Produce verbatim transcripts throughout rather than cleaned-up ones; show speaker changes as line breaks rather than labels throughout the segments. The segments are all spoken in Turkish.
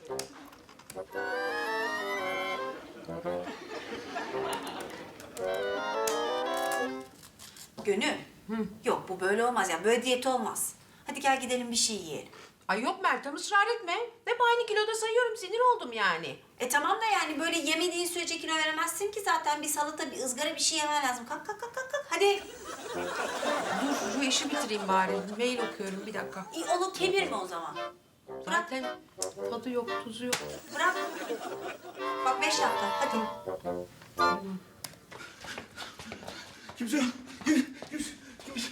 Gönül. Hı. Yok bu böyle olmaz ya. Böyle diyet olmaz. Hadi gel gidelim bir şey yiyelim.
Ay yok Meltem, ısrar etme. Hep aynı kiloda sayıyorum, sinir oldum yani.
E tamam da yani böyle yemediğin sürece kilo veremezsin ki zaten. Bir salata, bir ızgara bir şey yemen lazım. Kalk kalk kalk kalk. kalk. Hadi.
Dur şu işi bitireyim bari. Mail okuyorum, bir dakika.
İyi, onu kemirme o zaman. Bırak.
Zaten tadı yok, tuzu yok.
Bırak. Bak beş dakika. Hadi.
Kimse yok. Kim, kimse, kimse.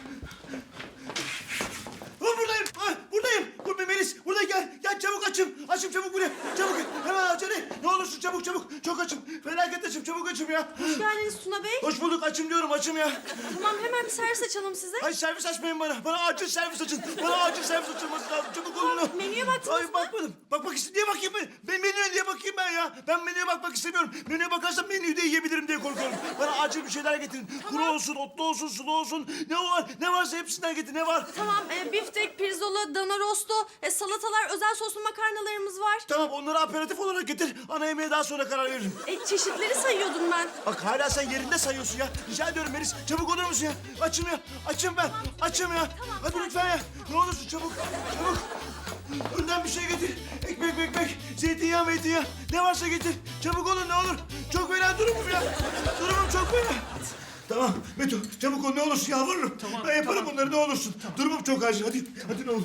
Ha, buradayım. Ha, buradayım. Dur Melis. Burada gel. Gel çabuk açım. Açım çabuk buraya. Çabuk. Hemen aç hadi. Ne olursun çabuk çabuk. Çok açım. Felaket açım. Çabuk açım ya.
Hoş geldiniz Tuna Bey.
Hoş bulduk. Açım diyorum. Açım ya.
Tamam hemen bir servis açalım size.
Ay servis açmayın bana. Bana acil servis açın. Bana acil servis açılması lazım. Çabuk olun.
Menüye baktınız
Ay
mı?
bakmadım. Bakmak istedim. Niye bakayım ben? Ben menüye niye bakayım ben ya? Ben menüye bakmak istemiyorum. Menüye bakarsam menüyü de yiyebilirim diye korkuyorum. Bana acil bir şeyler getirin. Kuru olsun, otlu olsun, sulu olsun. Ne var? Ne varsa hepsinden getir. Ne var?
Tamam e, biftek, pirzola, dana rosto, e, salatalar, özel soslu makarnalarımız var.
Tamam onları aperatif olarak getir. Ana yemeğe daha sonra karar veririm.
E, çeşitleri sayıyordum ben.
Bak hala sen yerinde sayıyorsun ya. Rica ediyorum Melis. Çabuk olur musun ya? Açım ya. Açım ben. Açım ya. Hadi lütfen ya. Ne olursun çabuk. Çabuk. Önden bir şey getir. Ekmek ekmek. Zeytinyağı meytinyağı. Ne varsa getir. Çabuk olun ne olur. Çok fena durumum ya. Durumum çok fena. Tamam Meto çabuk ol ne olursun yalvarırım. Tamam, ben yaparım tamam. Bunları ne olursun. Durumum çok acil. Hadi hadi ne olur.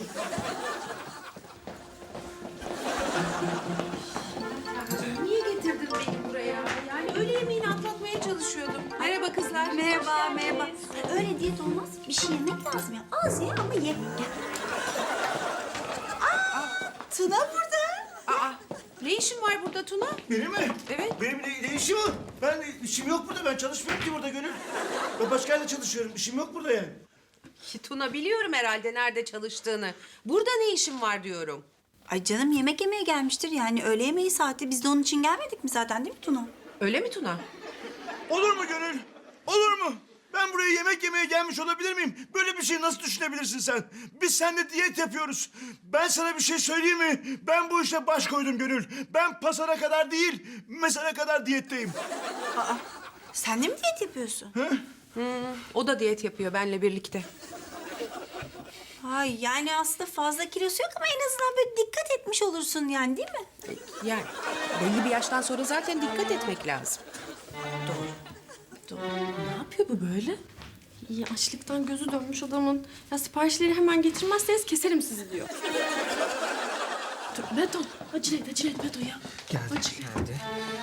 Niye getirdin beni buraya? Yani öğle yemeğini atlatmaya çalışıyordum. Merhaba kızlar.
Merhaba, merhaba. Öyle diyet olmaz. Bir şey yemek lazım ya. Az ye ama ye. Gel. Aa, Tuna burada.
Aa, ne işin var burada Tuna?
Benim mi?
Evet.
Benim ne, ne işim var? Ben işim yok burada. Ben çalışmıyorum ki burada Gönül. Ben başka yerde çalışıyorum. İşim yok burada yani.
Tuna biliyorum herhalde nerede çalıştığını. Burada ne işin var diyorum.
Ay canım yemek yemeye gelmiştir yani. Öğle yemeği saati. Biz de onun için gelmedik mi zaten değil mi Tuna?
Öyle mi Tuna?
Olur mu Gönül? Olur mu? Ben buraya yemek yemeye gelmiş olabilir miyim? Böyle bir şey nasıl düşünebilirsin sen? Biz seninle diyet yapıyoruz. Ben sana bir şey söyleyeyim mi? Ben bu işe baş koydum Gönül. Ben pasara kadar değil, mesele kadar diyetteyim.
Aa, sen de mi diyet yapıyorsun?
O da diyet yapıyor benle birlikte.
Ay yani aslında fazla kilosu yok ama en azından böyle dikkat etmiş olursun yani değil mi?
Yani belli bir yaştan sonra zaten dikkat etmek lazım.
Ne yapıyor bu böyle? İyi açlıktan gözü dönmüş adamın. Ya siparişleri hemen getirmezseniz keserim sizi diyor. Dur Beto. Acele et, acele et Beto ya.
Geldi, geldi.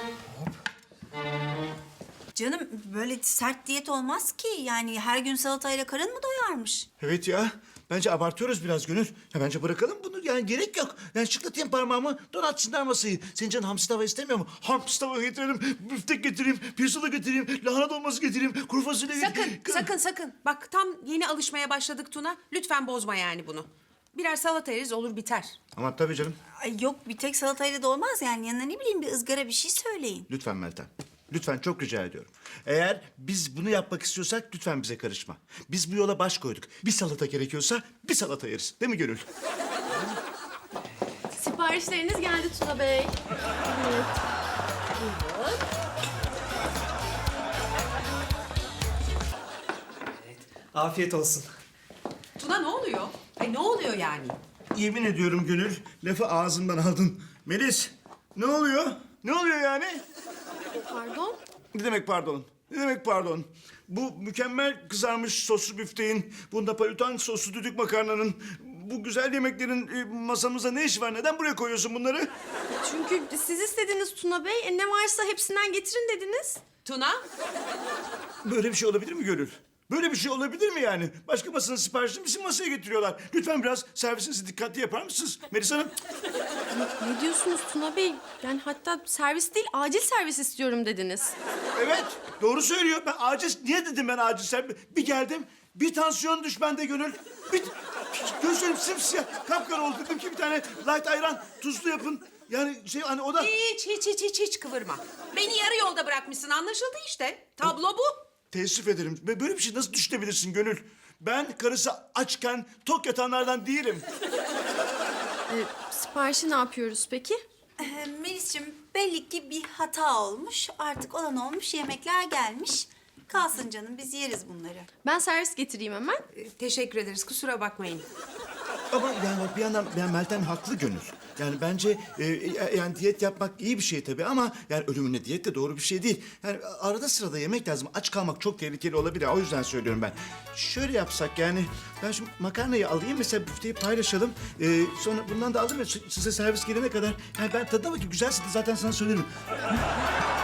Canım böyle sert diyet olmaz ki. Yani her gün salatayla karın mı doyarmış?
Evet ya. Bence abartıyoruz biraz Gönül. Ya bence bırakalım bunu. Yani gerek yok. Ben şıklatayım parmağımı, donatsınlar masayı. Senin canın hamsi tava istemiyor mu? Hamsi tava getirelim, büftek getireyim, pirzola getireyim, lahana dolması getireyim, kuru fasulye
Sakın,
getireyim.
sakın, sakın. Bak tam yeni alışmaya başladık Tuna. Lütfen bozma yani bunu. Birer salata yeriz olur biter.
Ama tabii canım.
Ay yok bir tek salatayla da olmaz yani. Yanına ne bileyim bir ızgara bir şey söyleyin.
Lütfen Meltem. Lütfen çok rica ediyorum. Eğer biz bunu yapmak istiyorsak lütfen bize karışma. Biz bu yola baş koyduk. Bir salata gerekiyorsa bir salata yeriz. Değil mi Gönül?
Siparişleriniz geldi Tuna Bey. Evet. Buyurun.
Afiyet olsun.
Tuna ne oluyor? Ay ne oluyor yani?
Yemin ediyorum Gönül, lafı ağzımdan aldın. Melis, ne oluyor? Ne oluyor yani?
Pardon.
Ne demek pardon? Ne demek pardon? Bu mükemmel kızarmış soslu büfteğin, bu napolitan soslu düdük makarnanın, bu güzel yemeklerin e, masamıza ne işi var? Neden buraya koyuyorsun bunları?
Çünkü siz istediniz Tuna Bey. E, ne varsa hepsinden getirin dediniz.
Tuna?
Böyle bir şey olabilir mi Gönül? Böyle bir şey olabilir mi yani? Başka masanın siparişini bizim masaya getiriyorlar. Lütfen biraz servisinizi dikkatli yapar mısınız Melis Hanım?
Ne diyorsunuz Tuna Bey? Yani hatta servis değil, acil servis istiyorum dediniz.
Evet, doğru söylüyor. Ben acil, niye dedim ben acil servis? Bir geldim, bir tansiyon düş bende Gönül. Bir, gözlerim simsiyah, kapkara oldu. Dedim ki bir tane light ayran, tuzlu yapın. Yani şey hani o da...
Hiç, hiç, hiç, hiç, hiç kıvırma. Beni yarı yolda bırakmışsın anlaşıldı işte. Tablo bu.
Teessüf ederim. Böyle bir şey nasıl düşünebilirsin Gönül? Ben karısı açken tok yatanlardan değilim.
E, Siparişi ne yapıyoruz peki?
Ee, Melis'ciğim belli ki bir hata olmuş. Artık olan olmuş, yemekler gelmiş. Kalsın canım, biz yeriz bunları.
Ben servis getireyim hemen.
Ee, teşekkür ederiz. Kusura bakmayın.
Ama yani bir yandan yani Meltem haklı Gönül. Yani bence e, e, yani diyet yapmak iyi bir şey tabii ama yani ölümüne diyet de doğru bir şey değil. Yani arada sırada yemek lazım. Aç kalmak çok tehlikeli olabilir. O yüzden söylüyorum ben. Şöyle yapsak yani ben şu makarnayı alayım mesela büfteyi paylaşalım. E, sonra bundan da alırım ya size servis gelene kadar. Yani ben tadına bakayım güzelse de zaten sana söylerim.